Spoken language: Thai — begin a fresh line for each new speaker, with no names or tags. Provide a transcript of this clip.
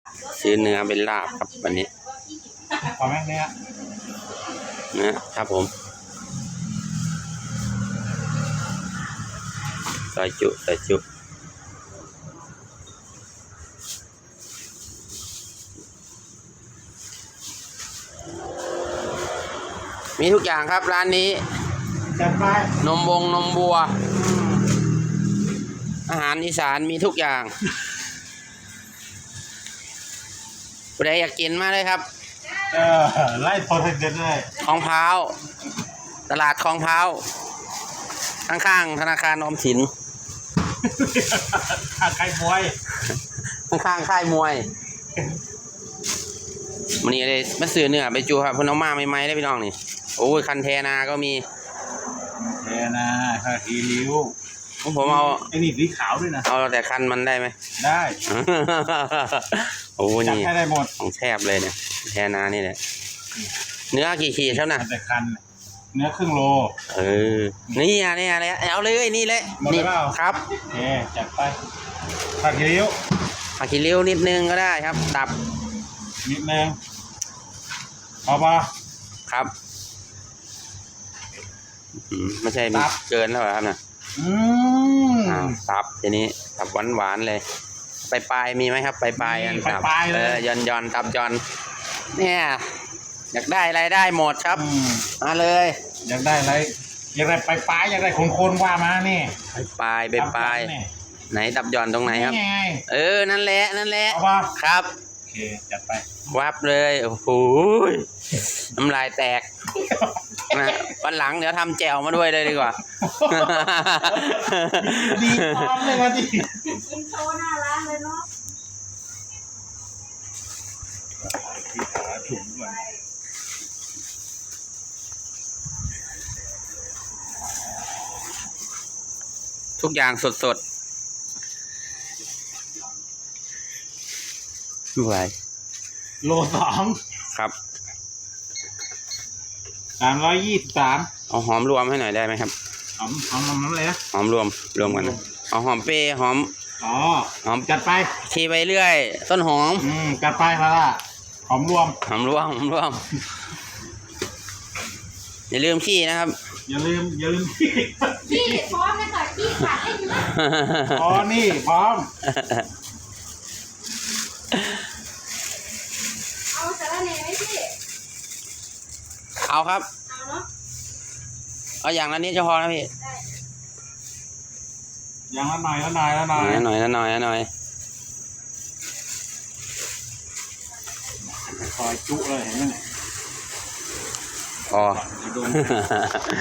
ซื้อเนื้อเป็นลาบครับวันนี้
พอไหมเนื้อ
นะครับผมซอยจุมีทุกอย่างครับร้านนี้
จัดไป
นมบัว อาหารอีสานมีทุกอย่างผู้ใดอยากกินมาเลยครับ
ไล่โปรเทคเด็ดเลย
คลองพร้าวตลาดคลองพร้าวข้างๆธนาคารออมสิน
ไก่มวย
ข้างๆค่ายมวยวันนี้เลยมาซื้อเนื้อไปจูครับเพนเอามาใหม่ๆได้พี่น้องนี่โอ้ยคันเทนาก็มี
เทนาข้าทีริ้ว
ผมเอา
ไอ้นี่สีขาวด้วยนะ
เอาแต่คันมันได้ไหม
ได้
โอ้
จัด
นี่
ให้ได้หมด
ของแทบเลยเนี่ยแทนานี่แหละเนื้อกี่ขีดครับนะ
แต่คันเนื้อครึ่งโล
นี่อะไรเอาเลยนี่เลย
หมดเลยเปล่า
ครับ
โอเคจัดไปข้าทีริ้ว
ผักขี้ริ้วนิดนึงก็ได้ครับตับ
นิดนึงเอาปะ
ครับไม่ใช่มีเกินแล้วเหรอครับนะตับทีนี้ตับหวานเลยปลายมีไหมครับปลายอันตับย่อนตับย่อนเนี่ยอยากได้อะไรได้หมดครับมาเลย
อยากได้อะไรอยากได้ปลายอยากได้โคนว่ามานี่
ปลายไหนตับย่อนตรงไหนครับ
นี่ไง
นั่นแหละ
เอาปะ
ครับ
โอเคจัดไป
วับเลยโอ้โหน้ำลายแตกวันหลังเดี๋ยวทำแจ่วมาด้วยเลยดีกว่า
ดีพร้อมเลยมาดิ
กินโชว์หน้าร้านเลยเนาะ
ที่ขาถุงก่อน
ทุกอย่างสดไม่ไหว
โล2
ครับ
323
เอาหอมรวมให้หน่อยได้ไหมครับ
หอมน้ำอะไรนะ
หอมรวมกันนะเอาหอมเปรี้ยวหอม
จัดไป
ชีไปเรื่อยต้นหอม
จัดไปครับล่ะหอมรวม
หอมรวมอย่าลืมขี้นะครับ
อย่าลืม
พี่พร้อมเลยค่ะพี่ขาดให้เยอะ
อ๋อนี่พร้อม
เอาสาระแหน่ไหมพี่
เอาครับ
เอาเนาะ
เอาอย่างละนิดจะพอนะพี่
ได้
อย่างละหน่อย
หน่อย
คอยจุเลยเห็นไหมเนี่ย
พอ
โดน